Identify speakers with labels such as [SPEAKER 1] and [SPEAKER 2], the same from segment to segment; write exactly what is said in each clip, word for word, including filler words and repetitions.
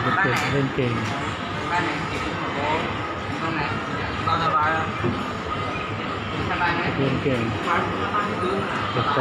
[SPEAKER 1] เด็กๆเล่นเกม
[SPEAKER 2] บ้านไหนเก็บโอ้ตรงไหนตอนสบายสบายไหม
[SPEAKER 1] เล่นเกมเด็กโต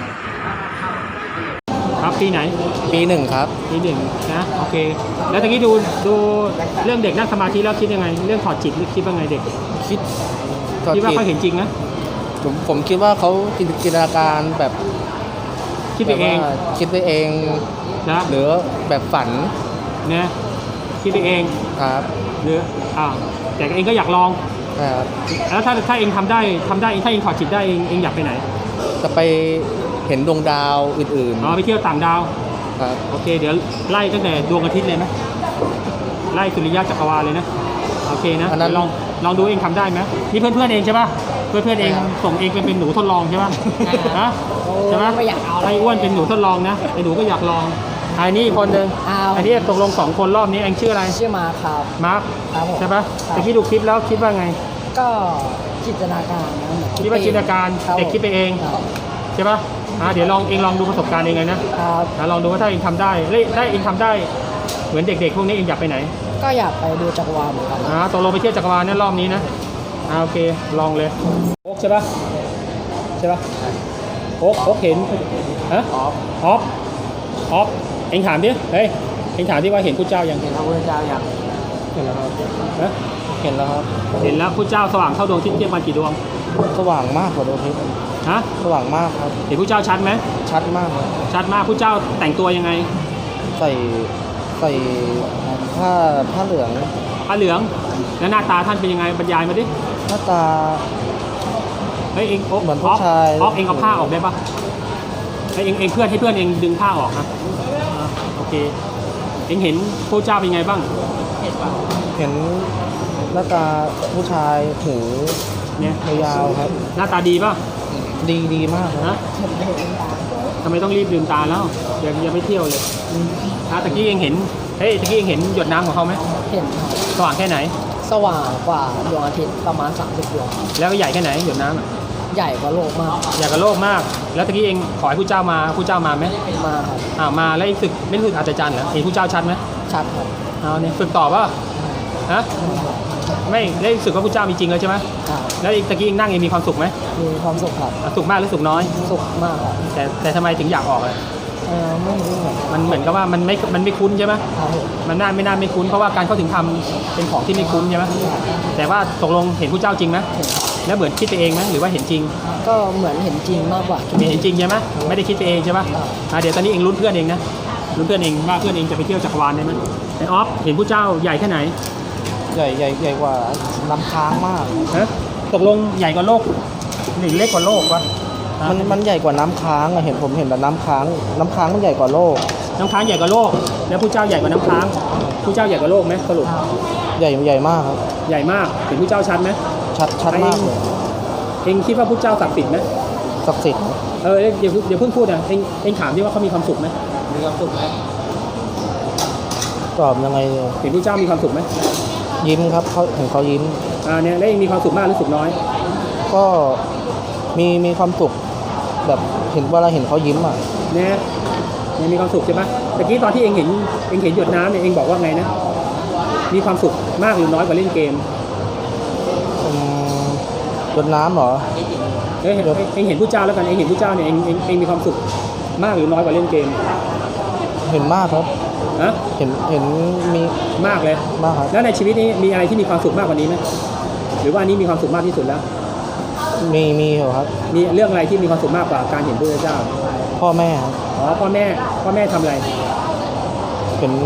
[SPEAKER 1] ครับปีไหน
[SPEAKER 3] ปีหนึ่งครับ
[SPEAKER 1] ปีหนึ่งนะโอเคแล้วตะกี้ดูดูเรื่องเด็กนั่งสมาธิแล้วคิดยังไงเรื่องถอดจิตคิดว่าไงเด็ก
[SPEAKER 3] คิด
[SPEAKER 1] คิดว่าเขาเห็นจริงนะ
[SPEAKER 3] ผมผมคิดว่าเขาจินตนาการแบบ
[SPEAKER 1] คิดไปเอง
[SPEAKER 3] คิดไปเอง
[SPEAKER 1] นะ
[SPEAKER 3] หรือแบบฝัน
[SPEAKER 1] นะคิดไปเอง
[SPEAKER 3] ครับ
[SPEAKER 1] หรืออ่าแต่เองก็อยากลอง
[SPEAKER 3] ครับ
[SPEAKER 1] แล้วถ้าถ้าเองทำได้ทำได้ถ้าเองถอดจิตได้เองเองอยากไปไหน
[SPEAKER 3] จะไปเห็นดวงดาวอื่นๆ
[SPEAKER 1] อ๋อไปเที่ยวต่างดาว
[SPEAKER 3] ครับ
[SPEAKER 1] โอเคเดี๋ยวไล่ตั้งแต่ดวงอาทิตย์เลยไหมไล่สุริยะจักรวาลเลยนะโอเคนะลองลองดูเองทำได้ไหมนี่เพื่อนเพื่อนเองใช่ป่ะเพื่อนเพื่อนเองส่งเองเป็นเป็นหนูทดลองใช่ป่ะฮะใช่ไหม
[SPEAKER 2] ไม่อยากเอา
[SPEAKER 1] ไอ้อ้วนเป็นหนูทดลองนะไอ้หนูก็อยากลองไอ้นี่คนหนึ่งไอ้ที่ตกลงสองคนรอบนี้เองชื่ออะไร
[SPEAKER 2] ชื่อมาครับ
[SPEAKER 1] มาร์คใช่ป่ะแต่ที่ดูคลิปแล้วคิดว่าไง
[SPEAKER 2] ก็จินตนาการนะ
[SPEAKER 1] คิดว่าจินตนาการเด็กคิดไปเองใช่ป่ะอ่าเดี๋ยวลองเองลองดูประสบการณ์เองเลยนะครับลองดูว่าถ้าเองทำได้ได้เองทำได้เหมือนเด็กๆพวกนี้เองอยากไปไหน
[SPEAKER 2] ก็อยากไปดูจักรวาลเหมือนกัน
[SPEAKER 1] อ่าตกลงไปเที่ยวจักรวาลเนี่ยรอบนี้นะอ่าโอเคลองเลยโอ๊กใช่ป่ะใช่ป่ะโอ๊กโอ๊กเห็นฮะออฟออฟออฟเองถามดิเฮ้ยเองถามดิว่าเห็นพระเจ้ายัง
[SPEAKER 2] เห็นพระพุทธเจ้ายัง
[SPEAKER 3] เห็นแล้วครับ
[SPEAKER 1] นะ
[SPEAKER 3] เห็นแล้วครับ
[SPEAKER 1] เห็นแล้วพระเจ้าสว่างเท่าดวงอาทิตย์เทียบกันกี่ดวง
[SPEAKER 3] สว่างมากกว่าดวงอาทิตย์
[SPEAKER 1] ฮะ
[SPEAKER 3] สว่างมากครับ
[SPEAKER 1] เห็นพระเจ้าชัดไหม
[SPEAKER 3] ชัดมาก
[SPEAKER 1] ชัดมากพระเจ้าแต่งตัวยังไง
[SPEAKER 3] ใส่ใส่ผ้าผ้าเหลือง
[SPEAKER 1] ผ้าเหลืองแล้วหน้าตาท่านเป็นยังไงบรรยายมาดิ
[SPEAKER 3] หน้าตา
[SPEAKER 1] เฮ้ยเอง
[SPEAKER 3] เหมือนผู้ชาย
[SPEAKER 1] ออกเองเอาผ้าออกได้ปะเฮ้ยเองเองเพื่อนให้เพื่อนเองดึงผ้าออกนะโอเคเองเห็นพระเจ้าเป็นไงบ้าง
[SPEAKER 2] เห็นป่ะ
[SPEAKER 3] เห็นหน้าตาผู้ชายหู
[SPEAKER 1] เนี่ย
[SPEAKER 3] ยาวครับ
[SPEAKER 1] หน้าตาดีป่ะ
[SPEAKER 3] ดีดีมาก
[SPEAKER 1] นะทำไมต้องรีบลืมตาแล้วอย่าอย่าไปเที่ยวเลยอ่ะตะกี้เองเห็นเฮ้ยตะกี้เองเห็นหยดน้ำของเขาไหม
[SPEAKER 2] เห็น
[SPEAKER 1] สว่างแค่ไหน
[SPEAKER 2] สว่างกว่าดวงอาทิตย์ประมาณสามสิบดวง
[SPEAKER 1] แล้วก็ใหญ่แค่ไหนหยดน้
[SPEAKER 2] ำใหญ่กว่าโลกมาก
[SPEAKER 1] ใหญ่กว่าโลกมากแล้วตะกี้เองขอให้ผู้เจ้ามาผู้เจ้ามาไหม
[SPEAKER 2] มาครับ
[SPEAKER 1] อ่ามาแล้วฝึกไม่ฝึกอาจารย์เหรอเห็นผู้เจ้าชัดไหม
[SPEAKER 2] ชัดครับ
[SPEAKER 1] เอาเนี่ยฝึกต่อป่ะฮะไม่ได้รู้สึกว่าพระเจ้ามีจริงแล้วใช่ไหมแล้วตะกี้นั่งเองมีความสุขไหม
[SPEAKER 2] มีความสุขครับ
[SPEAKER 1] สุขมากหรือสุขน้อย
[SPEAKER 2] สุขมากครับ
[SPEAKER 1] แต่แต่ทำไมถึงอยากออกเลย
[SPEAKER 2] เออไม่รู้เหมือน
[SPEAKER 1] มันเหมือนกับว่ามันไม่มันไม่คุ้นใช่ไหมมันน่าไม่น่าไม่คุ้นเพราะว่าการเข้าถึงธรรมเป็นของที่ไม่คุ้นใช่ไหมแต่ว่าตกลงเห็นพระเจ้าจริงไหมแล้วเหมือนคิดไปเองไหมหรือว่าเห็นจริง
[SPEAKER 2] ก็เหมือนเห็นจริงมากกว่า
[SPEAKER 1] เห็นจริงใช่ไหมไม่ได้คิดไปเองใช่ไหมเดี๋ยวตอนนี้เองลุ้นเพื่อนเองนะลุ้นเพื่อนเองว่าเพื่อนเองจะไปเที่ยวจักรวาลได้ไหมไอออฟเห็นพระเจ้าใหญ่แค่ไหน
[SPEAKER 3] ใหญ่ใหญ่ใหญ่กว่าน้ำค้างมาก
[SPEAKER 1] ฮะตกลงใหญ่กว่าโลกหรือเล็กกว่าโลกวะ
[SPEAKER 3] มันมันใหญ่กว่าน้ำค้างอะเห็นผมเห็นแต่น้ำค้างน้ำค้างมันใหญ่กว่าโลก
[SPEAKER 1] น้ำค้างใหญ่กว่าโลกแล้วผู้เจ้าใหญ่กว่าน้ำค้างผู้เจ้าใหญ่กว่าโลกไหมสรุป
[SPEAKER 3] ใหญ่ใหญ่มากครับ
[SPEAKER 1] ใหญ่มากเห็นผู้เจ้าชัดไหม
[SPEAKER 3] ชัดชัดมากเลย
[SPEAKER 1] เองคิดว่าผู้เจ้าศักดิ์สิทธิ์ไหม
[SPEAKER 3] ศักดิ์สิทธิ์
[SPEAKER 1] เออเดี๋ยวเดี๋ยวเพิ่งพูดนะเองเองถามดิว่าเขามีความสุขไหม
[SPEAKER 2] มีความสุขไหม
[SPEAKER 3] ตอบยังไง
[SPEAKER 1] เห็นผู้เจ้ามีความสุขไหม
[SPEAKER 3] ยิ้มครับเขาเห็นเขายิ้ม
[SPEAKER 1] อ่าเนี่ยแล้วเองมีความสุขมากหรือสุขน้อย
[SPEAKER 3] ก็มีมีความสุขแบบเห็นเวลาเห็นเขายิ้มอ่ะ
[SPEAKER 1] เนี่ยเนี่ยมีความสุขใช่ไหมตะกี้ตอนที่เองเห็นเองเห็นหยดน้ำเนี่ยเองบอกว่าไงนะมีความสุขมากหรือน้อยกว่าเล่นเกม
[SPEAKER 3] หยดน้ำเหรอ
[SPEAKER 1] เอ้ยเองเห็นผู้เจ้าแล้วกันเองเห็นผู้เจ้าเนี่ยเองเองเองมีความสุขมากหรือน้อยกว่าเล่นเกม
[SPEAKER 3] เห็นมากครับ
[SPEAKER 1] ฮะ
[SPEAKER 3] เห็นเห็นมี
[SPEAKER 1] มากเลย
[SPEAKER 3] มากครับ
[SPEAKER 1] แล้วในชีวิตนี้มีอะไรที่มีความสุขมากกว่านี้ไหมหรือว่านี้มีความสุขมากที่สุดแล้ว
[SPEAKER 3] มีมีเหรอครับ
[SPEAKER 1] มีเรื่องอะไรที่มีความสุขมากกว่าการเห็นพระเจ้า
[SPEAKER 3] พ่อแม่ครับ
[SPEAKER 1] อ๋อพ่อแม่พ่อแม่ทำอะไร
[SPEAKER 3] เห็น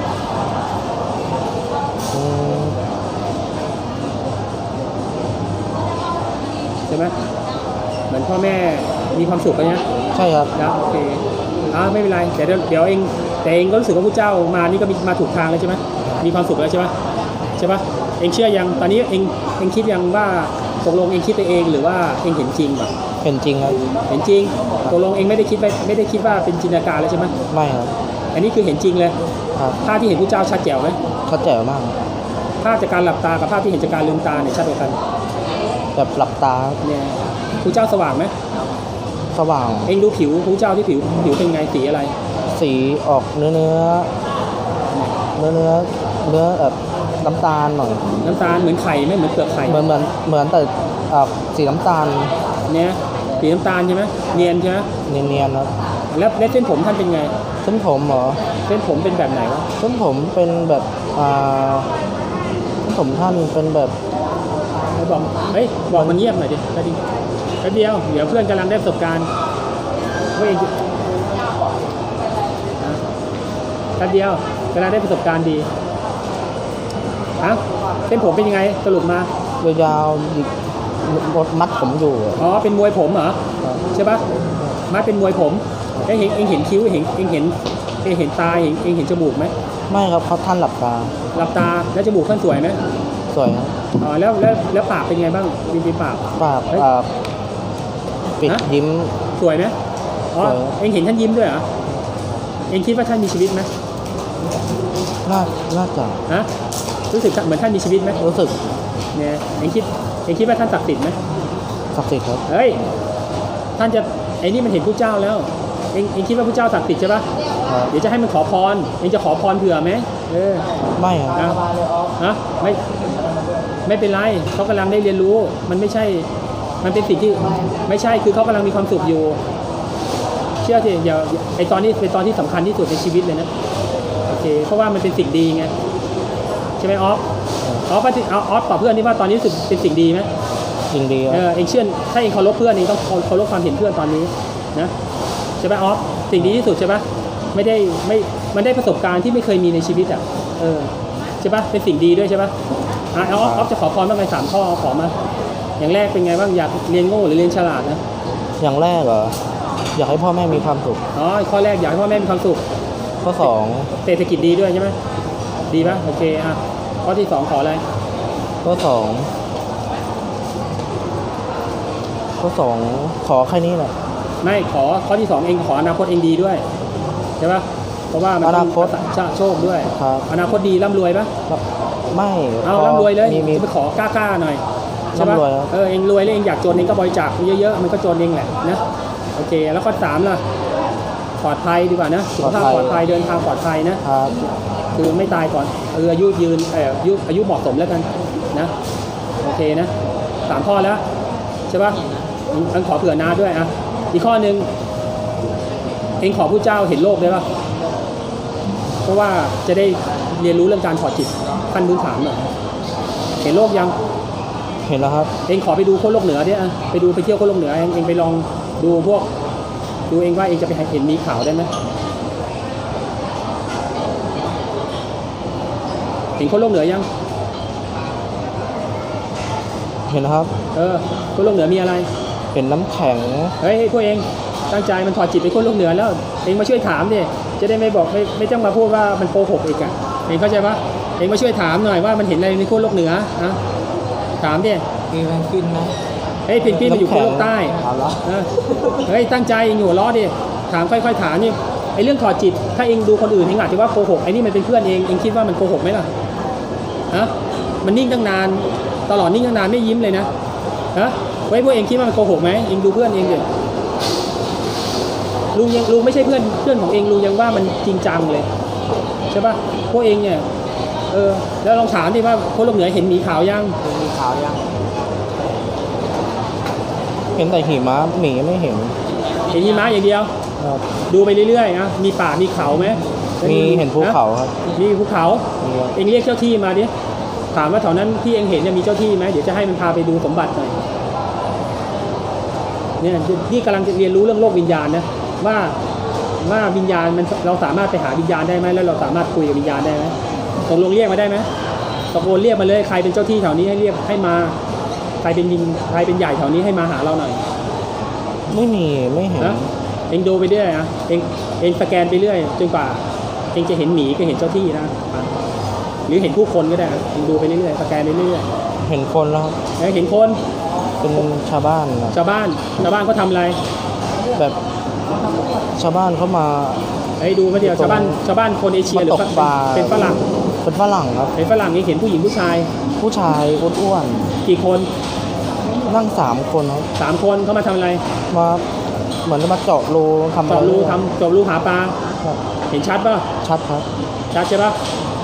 [SPEAKER 1] ใช่ไหมเหมือนพ่อแม่มีความสุขกันนะ
[SPEAKER 3] ใช่ครับ
[SPEAKER 1] นะโอเคอ่าไม่เป็นไรเดี๋ยวเดี๋ยวเองแต่เองก็รู้สึกว่าพระเจ้ามานี่ก็มาถูกทางแล้วใช่ไหมมีความสุขแล้วใช่ไหมใช่ปะเองเชื่อยังตอนนี้เองเองคิดยังว่าตกลงเองคิดไปเองหรือว่าเองเห็นจริงแบบ
[SPEAKER 3] เห็นจริงครับ
[SPEAKER 1] เห็นจริงตกลงเองไม่ได้คิดไปไม่ได้คิดว่าเป็นจินตนาการแล้วใช่ไหม
[SPEAKER 3] ไม่ครับ
[SPEAKER 1] อันนี้คือเห็นจริงเลย
[SPEAKER 3] ครับ
[SPEAKER 1] ภาพที่เห็นพระเจ้าชัดแจ๋วไหม
[SPEAKER 3] ชัดแจ๋วมาก
[SPEAKER 1] ภาพจากการหลับตากับภาพที่เห็นจากการลืมตาเนี่ยชัดกว่ากัน
[SPEAKER 3] แบบหลับตา
[SPEAKER 1] เนี่ยพระเจ้าสว่างไหม
[SPEAKER 3] สว่าง
[SPEAKER 1] เองดูผิวพระเจ้าที่ผิวผิวเป็นไงสีอะไร
[SPEAKER 3] สีออกเนื้อเนื้อเนื้อเนื้อเนื้อแบบน้ำตาลหน่อย
[SPEAKER 1] น้ำตาลเหมือนไข่ไหมเหมือนเปลือกไข่
[SPEAKER 3] เหมือนเหมือนเหมือนแต่อ่าสีน้ำตาล
[SPEAKER 1] เนี่ยสีน้ำตาลใช่ไหมเนียนใช่ไหม
[SPEAKER 3] เนียนๆครับ
[SPEAKER 1] แล้วแล้วเส้นผมท่านเป็นไง
[SPEAKER 3] เส้นผมเหรอ
[SPEAKER 1] เส้นผมเป็นแบบไหนวะ
[SPEAKER 3] เส้นผมเป็นแบบอ่าเส้นผมท่านเป็นแบบ
[SPEAKER 1] ไอ้บอกเฮ้ยบอกมันเงียบหน่อยดิแป๊บเดียวแป๊บเดียวเดี๋ยวเพื่อนกำลังได้ประสบการณ์เฮ้ยนะแป๊บเดียวกำลังได้ประสบการณ์ดีฮะเส้นผมเป็นยังไงสรุปมาย
[SPEAKER 3] าวๆหยิกมัดผมอยู่อะ
[SPEAKER 1] อ๋อเป็นมวยผมเหรอ
[SPEAKER 3] ครับ
[SPEAKER 1] ใช่ปะมาเป็นมวยผมเอ้ยเห็นเองเห็นคิ้วเห็นเองเห็นเองเห็นตาเห็นเองเห็นจมูกไหม
[SPEAKER 3] ไม่ครับเขาท่านหลับตา
[SPEAKER 1] หลับตาแล้วจมูกท่านสวยไหม
[SPEAKER 3] สวยครับ
[SPEAKER 1] อ๋อแล้วแล้วแล้วปากเป็นไงบ้างริมฝีปาก
[SPEAKER 3] ปาก
[SPEAKER 1] เฮ้ย
[SPEAKER 3] อ่าปิด
[SPEAKER 1] ฮะ
[SPEAKER 3] ยิ้ม
[SPEAKER 1] สวยไหมอ๋อ
[SPEAKER 3] สวย
[SPEAKER 1] เองเห็นท่านยิ้มด้วยเหรอเองคิดว่าท่านมีชีวิตไหม
[SPEAKER 3] น่าน่าจะ
[SPEAKER 1] ฮะรู้สึกเหมือนท่านมีชีวิตไหม
[SPEAKER 3] รู้สึก
[SPEAKER 1] เนี่ยเองคิดเองคิดว่าท่านศักดิ์สิทธิ์ไหม
[SPEAKER 3] ศักดิ์สิทธิ์ครับ
[SPEAKER 1] เฮ้ยท่านจะไอ้นี่มันเห็นผู้เจ้าแล้วเองเองคิดว่าผู้เจ้าศักดิ์สิทธิ์ใช่ปะ
[SPEAKER 3] ครับ
[SPEAKER 1] เดี๋ยวจะให้มันขอพรเองจะขอพรเผื่อไหมเออ
[SPEAKER 3] ไม่ครับ
[SPEAKER 1] นะนะไม่ไม่เป็นไรเขากำลังได้เรียนรู้มันไม่ใช่มันเป็นสิ่งที่ไม่ใช่คือเขากำลังมีความสุขอยู่ เชื่อสิอย่าไอตอนนี้เป็นตอนที่สำคัญที่สุดในชีวิตเลยนะโอเคเพราะว่ามันเป็นสิ่งดีไงใช่ไหมออฟออฟว่าที่เอาออฟตอบเพื่อนนี่ว่าตอนนี้รู้สึกเป็นสิ่งดีไหม
[SPEAKER 3] จริงดีค
[SPEAKER 1] เอ
[SPEAKER 3] รับ
[SPEAKER 1] อเองเชื่อถ้าเองเคารพเพื่อนเองต้องเคารพความเห็นเพื่อนตอนนี้นะใช่ไหมออฟสิ่งดีที่สุดใช่ปะไม่ได้ไม่มันได้ประสบการณ์ที่ไม่เคยมีในชีวิตอ่ะเออใช่ปะเป็นสิ่งดีด้วยใช่ปะอ่ะเอาออฟออฟจะขอพรบ้างไหมสามข้อเอาขอมาอย่างแรกเป็นไงบ้างอยากเรียนโง่หรือเรียนฉลาดนะ
[SPEAKER 3] อย่างแรกเหรออยากให้พ่อแม่มีความสุข
[SPEAKER 1] อ๋อข้อแรกอยากให้พ่อแม่มีความสุข
[SPEAKER 3] ข้อสอง
[SPEAKER 1] เศรษฐกิจดีด้วยใช่ไหมดีปะโอเคอ่ะข้อที่สองขออะไร
[SPEAKER 3] ข้อสองข้อสองขอแค่นี้แหละ
[SPEAKER 1] ไม่ขอข้อที่สองเองขออนาคตเองดีด้วยใช่ปะเพราะว่ามัน
[SPEAKER 3] อนาคต
[SPEAKER 1] ชาโชคด้วย
[SPEAKER 3] ครับ
[SPEAKER 1] อนาคตดีร่ำรวยปะ
[SPEAKER 3] ไม่
[SPEAKER 1] เอา
[SPEAKER 3] พ
[SPEAKER 1] ร่ำรวยเลย
[SPEAKER 3] มีมี
[SPEAKER 1] จะไปขอกล้าๆหน่อยใช่ปะ
[SPEAKER 3] ร่ำรวยครับ
[SPEAKER 1] เออเองรวยแล้วเองอยากจนเองก็บริจาคเยอะๆมันก็จนเองแหละนะโอเคแล้วข้อสามล่ะปลอดภัยดีกว่านะสุขภาพปลอดภัยเดินทางปลอดภัยนะครับ คือไม่ตายก่อนเอออายุยืนเอออายุอายุเหมาะสมแล้วกันนะโอเคนะสามข้อแล้วใช่ปะอันขอเผื่อนาด้วยอ่ะอีกข้อหนึ่งเองขอผู้เจ้าเห็นโลกได้ปะเพราะว่าจะได้เรียนรู้เรื่องการถอดจิตขั้นพื้นฐานหน่อยเห็นโลกยัง
[SPEAKER 3] เห็นแล้วครับ
[SPEAKER 1] เองขอไปดูโคตรโลกเหนือเนี่ยไปดูไปเที่ยวโคตรโลกเหนือเองเองไปลองดูพวกดูเองว่าเองจะไปเห็นมีขาวได้ไหมเห็นโคตรโลกเหนือยัง
[SPEAKER 3] เห็นแล้วครับ
[SPEAKER 1] เออโคตรโลกเหนือมีอะไร
[SPEAKER 3] เห็นน้ำแข็ง
[SPEAKER 1] เฮ้ยพวกเองตั้งใจมันถอดจิตไปโคตรโลกเหนือแล้วเองมาช่วยถามดิจะได้ไม่บอกไม่ไม่ต้องมาพูดว่ามันโกหกอีกอ่ะเองเข้าใจปะเองมาช่วยถามหน่อยว่ามันเห็นอะไรในโคตรโลกเหนือนะถามดิ
[SPEAKER 2] มีแมงกินไหม
[SPEAKER 1] เฮ้ยเพนกวินมันอยู่โคตรโลกใต้
[SPEAKER 2] เอาละ
[SPEAKER 1] เออเฮ้ยตั้งใจเองอยู่ล้อดิถามค่อยๆถามนี่ไอ้เรื่องถอดจิตถ้าเองดูคนอื่นเองอาจจะว่าโกหกไอ้นี่มันเป็นเพื่อนเองเองคิดว่ามันโกหกไหมล่ะฮะมันนิ่งตั้งนานตลอดนิ่งตั้งนานไม่ยิ้มเลยนะฮะไว้พวกเองคิดว่ามันโกหกไหมเองดูเพื่อนเองดิลุงยังลุงไม่ใช่เพื่อนเพื่อนของเองลุงยังว่ามันจริงจังเลยใช่ปะพวกเองเนี่ยเออแล้วลองถามดิว่าคนโลกเหนือเห็นหมีขาวยัง
[SPEAKER 2] มีขาวยัง
[SPEAKER 3] เห็นแต่หิมะหมีไม่เห็น
[SPEAKER 1] เห็นหิมะอย่างเดียว
[SPEAKER 3] ครับ
[SPEAKER 1] ดูไปเรื่อยๆนะมีป่ามีเขาไหม
[SPEAKER 3] มีเห็นภูเขาครับ
[SPEAKER 1] มีภูเขา
[SPEAKER 3] มีครับ
[SPEAKER 1] เองเรียกเจ้าที่มาดิถามว่าแถวนั้นที่เองเห็นเนี่ยมีเจ้าที่ไหมเดี๋ยวจะให้มันพาไปดูสมบัติหน่อยเนี่ยนี่กำลังจะเรียนรู้เรื่องโลกวิญญาณนะว่าว่าวิญญาณมันเราสามารถไปหาวิญญาณได้ไหมแล้วเราสามารถคุยกับวิญญาณได้ไหมตกลงเรียกมาได้ไหมตกลงเรียกมาเลยใครเป็นเจ้าที่แถวนี้ให้เรียกให้มาใครเป็นวิญใครเป็นใหญ่แถวนี้ให้มาหาเราหน่อย
[SPEAKER 3] ไม่มีไม่เห็น
[SPEAKER 1] นะเองดูไปเรื่อยนะเองเองสแกนไปเรื่อยจนกว่าเองจะเห็นหมีก็เห็นเจ้าที่นะหรือเห็นผู้คนก็ได้นะเองดูไปเรื่อยๆสแกนไปเรื่อย
[SPEAKER 3] เห็นคนแล้วครับ
[SPEAKER 1] ๆแล้วเห็นคน
[SPEAKER 3] เป็นชาวบ้านนะ
[SPEAKER 1] ชาวบ้านชาวบ้านเขาทำอะไร
[SPEAKER 3] แบบชาวบ้านเขามา
[SPEAKER 1] ไอ้ดูมาเดียวชาวบ้านชาวบ้านคนเอเชียหรือ
[SPEAKER 3] มาตกปลา
[SPEAKER 1] เป็นฝรั่ง
[SPEAKER 3] เป็นฝรั่งครับ
[SPEAKER 1] เป็นฝรั่งนี่เห็นผู้หญิงผู้ชาย
[SPEAKER 3] ผู้ชายอ้วน
[SPEAKER 1] กี่คน
[SPEAKER 3] ๆนั่งสามคนครับ
[SPEAKER 1] สามคนเขามาทำอะไร
[SPEAKER 3] มาเหมือนจะมาเจาะรูทำอะไร
[SPEAKER 1] เจาะรูทำเจาะรูหาปลา
[SPEAKER 3] ครับ
[SPEAKER 1] เห็นชัดป่ะ
[SPEAKER 3] ชัดครับ
[SPEAKER 1] ชัดใช่ป่ะ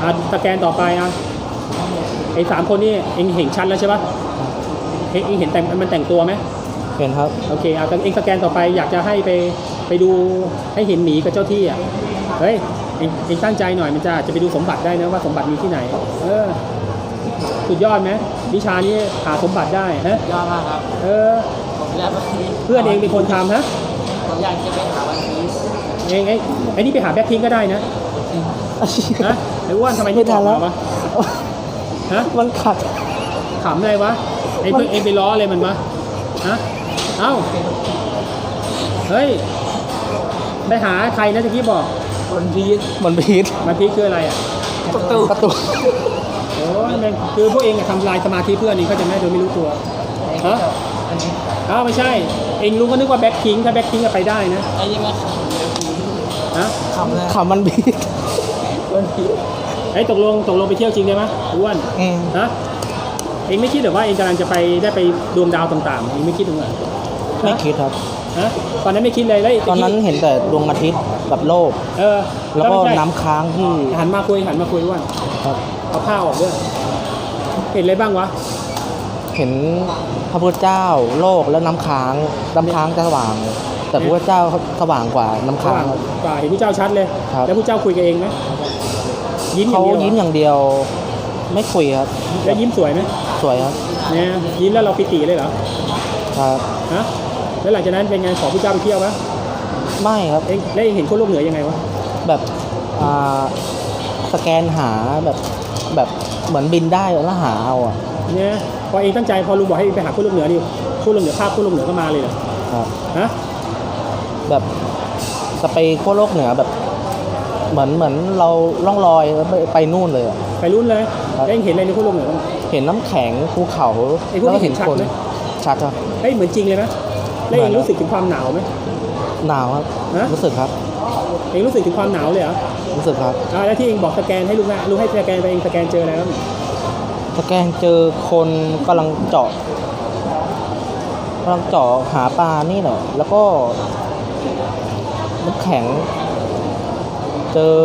[SPEAKER 1] อ่ะสแกนต่อไปอ่ะไอ้สามคนนี่เองเห็นชัดแล้วใช่ปะเองเองเห็นแต่งมันแต่งตัวไหม
[SPEAKER 3] เห็นครับ
[SPEAKER 1] โอเคเอาเองสแกนต่อไปอยากจะให้ไปไปดูให้เห็นหมีกับเจ้าที่อ่ะเฮ้ยเองเองตั้งใจหน่อยมันจะจะไปดูสมบัติได้นะว่าสมบัติมีที่ไหนเออสุดยอดไหมวิชานี้หาสมบัติได้ฮะ
[SPEAKER 2] ยอดมากครับ
[SPEAKER 1] เออ
[SPEAKER 2] ผมอยากไป
[SPEAKER 1] เพื่อนเองเป็นคนทำฮะ
[SPEAKER 2] ผมอยากจะไปหาวันพีซ
[SPEAKER 1] เองไอ้ไอ้นี่ไปหาแบ็คพิงก็ได้นะฮะไอ้อ้วนทำไม
[SPEAKER 3] ไม่ทันแล้ว
[SPEAKER 1] บอกมาวะฮะ
[SPEAKER 3] มันขัด
[SPEAKER 1] ขำอะไรวะไอ้เพื่อนเองไปล้ออะไรมันวะฮะเอ้าเฮ้ยไปหาใครนะตะกี้บอก
[SPEAKER 2] วันพีซ
[SPEAKER 3] มันพีท
[SPEAKER 1] มันพีคคืออะไรอ่ะ
[SPEAKER 2] ประตู
[SPEAKER 3] ประตู
[SPEAKER 1] โอ้ยแม่งคือพวกเองอะทำลายสมาธิเพื่อนนี่เขาใจะไหม่โดยไม่รู้ตัวฮะ
[SPEAKER 2] อันนี้
[SPEAKER 1] อ้าวไม่ใช่ เองรู้ก็นึกว่าแบ็คพิงถ้าแบ็คพิงก็ไปได้นะ
[SPEAKER 2] ไอ้นี่มัน
[SPEAKER 1] ฮะ
[SPEAKER 2] ขำเลย
[SPEAKER 3] ขำมันพีท
[SPEAKER 2] วันพีซ
[SPEAKER 1] ไอ้ยตกลงตกลงไปเที่ยวจริงได้ไหมอ้วน
[SPEAKER 3] อืม
[SPEAKER 1] ฮะเองไม่คิดหรือว่าเองกำลังจะไปได้ไปดวงดาวต่างๆเองไม่คิดหรือไง
[SPEAKER 3] ไม่คิดครับ
[SPEAKER 1] ฮะตอนนั้นไม่คิดเลยแล้ว
[SPEAKER 3] ตอนนั้นเห็นแต่ดวงอาทิตย์กับโลก
[SPEAKER 1] เออ
[SPEAKER 3] แล้วก็
[SPEAKER 1] ไม่ใช่
[SPEAKER 3] น้ำค้างที่
[SPEAKER 1] หันมาคุยหันมาคุยอ้วน
[SPEAKER 3] ครับ
[SPEAKER 1] เอาผ้าออกด้วยเห็นอะไรบ้างวะ
[SPEAKER 3] เห็นพระพุทธเจ้าโลกแล้วน้ำค้างน้ำค้างจะสว่าง แต่พระพุทธเจ้าสว่างกว่าน้ำค้างครับ
[SPEAKER 1] กว่าเห็นผู้เจ้าชัดเลย
[SPEAKER 3] ครับ
[SPEAKER 1] แล้วผู้เจ้าคุยกับเองไหมยิ้มอย่า
[SPEAKER 3] เขา
[SPEAKER 1] งเดียวเหรอ
[SPEAKER 3] ยิ้มอย่างเดียว ไม่คุยครับ
[SPEAKER 1] แล้วยิ้มสวยไหม
[SPEAKER 3] สวยครับ
[SPEAKER 1] เนี่ยยิ้มแล้วเราปิติเลยเหรอ
[SPEAKER 3] ครับ
[SPEAKER 1] ฮะแล้วหลังจากนั้นเป็นไงขอผู้เจ้าไปเที่ยวไหม
[SPEAKER 3] ไม่ครับ
[SPEAKER 1] เองแล้วเองเห็นคนโลกเหนือยังไงวะ
[SPEAKER 3] แบบอ่าสแกนหาแบบแบบเหมือนบินได้แล้วหาเอาอ่ะ
[SPEAKER 1] เนี่ยพอเองตั้งใจพอลุงบอกให้ไปหาคนโลกเหนือนี่คนโลกเหนือภาพคนโลกเหนือก็มาเลยเหรอ
[SPEAKER 3] ครับ
[SPEAKER 1] ฮะ
[SPEAKER 3] แบบจะไปขั้วโลกเหนือแบบ เหมือนเหมือนเราล่องลอยแล้วไปไปนู่นเลยอะ
[SPEAKER 1] ไปรุ่นเลย
[SPEAKER 3] ครับ
[SPEAKER 1] แล้วเองเห็นอะไรในคนโลกเหนือบ้าง
[SPEAKER 3] เห็นน้ำแข็งภูเขา
[SPEAKER 1] ไอ้พวก
[SPEAKER 3] แล้ว
[SPEAKER 1] นี้
[SPEAKER 3] ก็เห็น
[SPEAKER 1] เห็นชัด
[SPEAKER 3] คน
[SPEAKER 1] ไหม
[SPEAKER 3] ชัดครับ
[SPEAKER 1] เฮ้ยเหมือนจริงเลยไหมแล้วเอง
[SPEAKER 3] เหมือน
[SPEAKER 1] รู้สึกถึงความหนาวไหม
[SPEAKER 3] หนาวครับ
[SPEAKER 1] ฮะ
[SPEAKER 3] รู้สึกครับ
[SPEAKER 1] เองรู้สึกถึงความหนาวเลยเหรอ
[SPEAKER 3] รู้สึกครับ
[SPEAKER 1] อ่าแล้วที่เองบอกสแกนให้ลุงนะลุงให้สแกนไปเองสแกนเจออะไรบ้าง
[SPEAKER 3] สแกนเจอคนกำลังเจาะกำลังเจาะหาปลานี่แหละแล้วก็น้ำแข็ง เจอ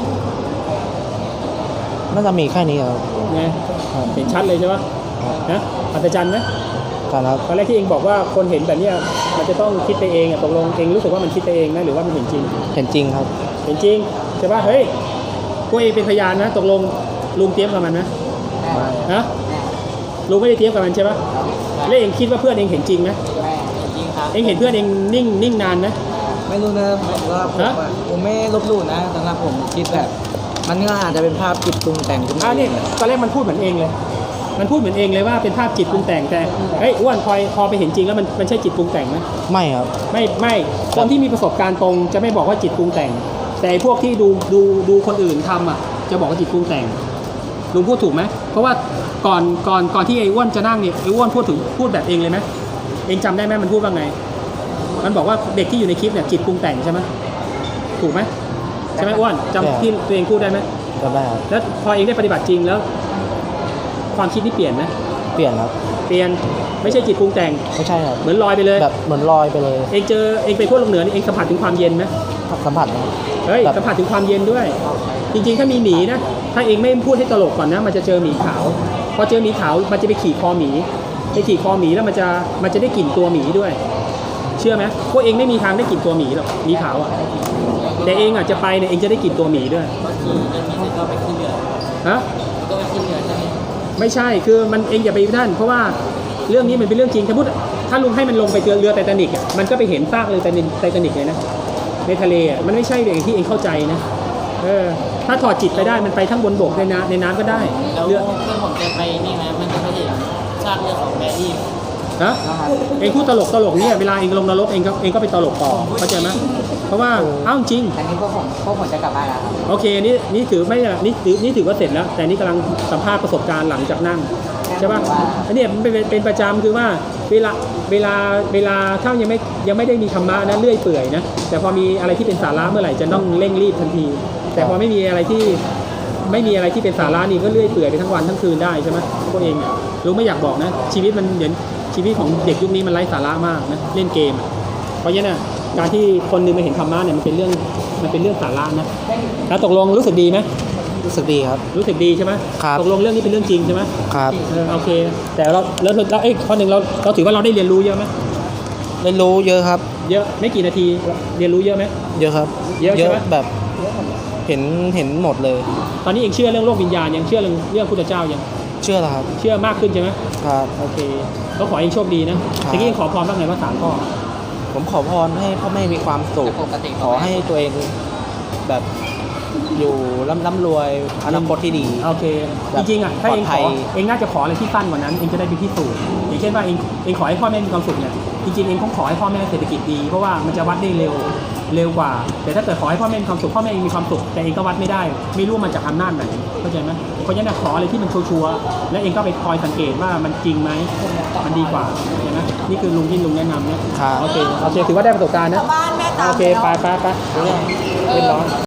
[SPEAKER 3] น่าจะมีแค่นี้ครับ
[SPEAKER 1] ไงเห็นชัดเลยใช่ปะนะอัศจรรย์ไหม
[SPEAKER 3] การครับ
[SPEAKER 1] ตอนแรกที่เองบอกว่าคนเห็นแบบเนี้ยมันจะต้องคิดไปเองอะตกลงเองรู้สึกว่ามันคิดไปเองนะหรือว่ามันเห็นจริง
[SPEAKER 3] เห็นจริงครับ
[SPEAKER 1] เห็นจริงใช่ปะเฮ้ยพวกเองเป็นพยานนะตกลงลุงเตรียมกับมันนะฮะลุงไม่ได้เตรียมกับมันใช่ปะแล้วเองคิดว่าเพื่อนเองเห็นจริงไหม
[SPEAKER 2] แม่จริงครับ
[SPEAKER 1] เองเห็นเพื่อนเองนิ่งนิ่งนานไหม
[SPEAKER 2] ไม่รู้นะผมว่าผม
[SPEAKER 1] ฮะ
[SPEAKER 2] อะผมไม่ลบหลู่นะสำหรับผมคิดแบบ มันก็อาจจะเป็นภาพจิตปรุงแต่งขึ้นมา
[SPEAKER 1] อ่านี่ตอนแรกมันพูดเหมือนเองเลย มันพูดเหมือนเองเลยว่าเป็นภาพจิตปรุงแต่งแต่เฮ้ยอ้วนพอพอไปเห็นจริงแล้วมันมันใช่จิตปรุงแต่งไหม
[SPEAKER 3] ไม่ครับ
[SPEAKER 1] ไม่ไม่คนที่มีประสบการณ์ตรงจะไม่บอกว่าจิตปรุงแต่ง แต่ไอ้พวกที่ดูดูดูคนอื่นทำอ่ะจะบอกว่าจิตปรุงแต่งลุงพูดถูกไหมเพราะว่าก่อนก่อนก่อนที่ไอ้อ้วนจะนั่งเนี่ยไอ้อ้วนพูดถึงพูดแบบเองเลยไหมเองจำได้ไหมมันพูดว่าไง มันบอกว่าเด็กที่อยู่ในคลิปเนี่ยจิตปรุงแต่งใช่ไหมถูกไหมใช่ไหมอ้วนจำที่ตัวเองพูดได้ไหม
[SPEAKER 3] ก็ได้ครับ
[SPEAKER 1] แล้วพอเองได้ปฏิบัติจริงแล้ว ความคิดนี่เปลี่ยนไหม
[SPEAKER 3] เปลี่ยนครับ
[SPEAKER 1] เปลี่ยนไม่ใช่จิตปรุงแต่ง
[SPEAKER 3] ไม่ใช่ครับ
[SPEAKER 1] เหมือนลอยไปเลย
[SPEAKER 3] แบบเหมือนลอยไปเลย
[SPEAKER 1] เองเจอเองไปขั้วโลกเหนือนี่เองสัมผัสถึงความเย็นไหม
[SPEAKER 3] สัมผัสนะ
[SPEAKER 1] เฮ้ย
[SPEAKER 3] แบบ
[SPEAKER 1] สัมผัสถึงความเย็นด้วย จริงๆ ถ้ามีหมีนะ ถ้าเองไม่พูดให้ตลกก่อนนะ มันจะเจอหมีขาว พอเจอหมีขาว มันจะไปขี่คอหมี ไปขี่คอหมีแล้วมันจะ มันจะได้กลิ่นตัวหมีด้วย เชื่อไหมพวกเองไม่มีทางได้กลิ่นตัวหมีหรอก หมีขาวอ่ะ แต่เองอ่ะจะไปเนี่ย เองจะได้กลิ่นตัวหมีด้วย
[SPEAKER 2] บางทีจะมีก็ไปขึ้นเรือ
[SPEAKER 1] ฮะ
[SPEAKER 2] ก็ไปขึ้นเรือใช่ไหม
[SPEAKER 1] ไม่ใช่ คือมันเองอย่าไปนั่น เพราะว่าเรื่องนี้มันเป็นเรื่องจริง ถ้าพูดถ้าลุงให้มันลงไปเจอเรือไททานิกอ่ะ มันก็ไปเห็นซากเรือไททานิกเลยนะ ในทะเลอ่ะ มันไม่ใช่อย่างที่เองเข้าใจนะ เออ ถ้าถอดจิตไปได้ มันไปทั้งบนบกในน้ำในน้ำก็ได้
[SPEAKER 2] แล้ว
[SPEAKER 1] เรือ
[SPEAKER 2] เพื่อนผมจะไปนี่ไหมมันจะไปเห็นซากเรือของแบรี่
[SPEAKER 1] ฮะ เองพูดตลกตลกเนี่ยเวลาเองลงนรกเองก็เองก็ไปตลกต่อ เข้าใจไหมเพราะว่า เอ้าจริง
[SPEAKER 2] อันนี้พวกผมพวกผมจะกลับบ้านแล้วครับ
[SPEAKER 1] โอเค นี่นี่ถือไม่นี่ถือนี่ถือว่าเสร็จแล้ว แต่นี่กำลังสัมภาษณ์ประสบการณ์หลังจากนั่งใช่ป่ะอันเนี้ยมันเป็นเป็นประจำคือว่าเวลาเวลาเวลาถ้ายังไม่ยังไม่ได้มีธรรมะนะเลื่อยเปื่อยนะ แต่พอมีอะไรที่เป็นสาระเมื่อไหร่จะต้องเร่งรีบทันที แต่พอไม่มีอะไรที่ไม่มีอะไรที่เป็นสาระนี่ก็เลื่อยเปื่อยไปทั้งวันทั้งคืนได้ใช่ไหมพวกเองเนี่ยรู้ไม่อยากบอกนะ ชีวิตมันเหมือนชีวิตของเด็กยุคนี้มันไร้สาระมากนะเล่นเกมอะเพราะฉะนั้นนะการที่คนหนึงมาเห็นธรรมะเนี่ยมันเป็นเรื่องมันเป็นเรื่องสาระนะแล้วตกลงรู้สึกดีไหม
[SPEAKER 3] รู้สึกดีครับ
[SPEAKER 1] รู้สึกดีใช่ไหม
[SPEAKER 3] ครับ
[SPEAKER 1] ตกลงเรื่องนี้เป็นเรื่องจริงใช่ไหม
[SPEAKER 3] ครับ
[SPEAKER 1] เออโอเค แต่เราแล้วเราเอ้ยข้อหนึ่งเราเราถือว่าเราได้เรียนรู้เยอะไหม
[SPEAKER 3] เรียนรู้เยอะครับ
[SPEAKER 1] เยอะไม่กี่นาทีเรียนรู้เยอะไหม
[SPEAKER 3] เยอะครับ
[SPEAKER 1] เยอะใช่ไหม
[SPEAKER 3] แบบเห็นเห็นหมดเลย
[SPEAKER 1] ตอนนี้เองเชื่อเรื่องโลกวิญญาณยังเชื่อเรื่องเรื่องพุทธเจ้ายัง
[SPEAKER 3] เชื่อแล้วครับ
[SPEAKER 1] เชื่อมากขึ้นใช่ไหม
[SPEAKER 3] ครับ
[SPEAKER 1] โอเคก็ขอเองโชคดีนะเมื่อกี้เองขอพรบ้างไงว่าสามข้อ
[SPEAKER 3] ผมขอพรให้พ่อแม่มีความสุข
[SPEAKER 2] ปกติ
[SPEAKER 3] ขอให้ตัวเองแบบอยู่ร่ำร่ำรวยอนาคตที่ดี
[SPEAKER 1] โอเค
[SPEAKER 3] แบ
[SPEAKER 1] จ
[SPEAKER 3] บ
[SPEAKER 1] ริงๆอ่ะถ้าเองข
[SPEAKER 3] ปลอ
[SPEAKER 1] อ
[SPEAKER 3] ดภัย
[SPEAKER 1] เองน่าจะขออะไรที่สั้นกว่านั้นเองจะได้ไปพิสูจน์อย่างเช่นว่าเองเองขอให้พ่อแม่มีความสุขเนี่ยจริงๆเองคงขอให้พ่อแม่เศรษฐกิจดีเพราะว่ามันจะวัดได้เร็วเร็วกว่า แต่ถ้าเกิดขอให้พ่อแม่มีความสุขพ่อแม่เองมีความสุขแต่เองก็วัดไม่ได้ไม่รู้มันจากอำนาจไหนเข้าใจไหมเพราะฉะนั้นขออะไรที่มันชัวร์ๆและเองก็ไปคอยสังเกตว่ามันจริงไหมมันดีกว่าเห็นไหมนี่คือลุงที่ลุงแนะนำเนี่ย
[SPEAKER 3] ครับ
[SPEAKER 1] โอเคโอเคถือว่าได้ประสบการณ์นะ
[SPEAKER 4] บ้านแม่ตาม
[SPEAKER 1] โอเค
[SPEAKER 4] แล้ว
[SPEAKER 1] ไปไปไปเรียบร้อย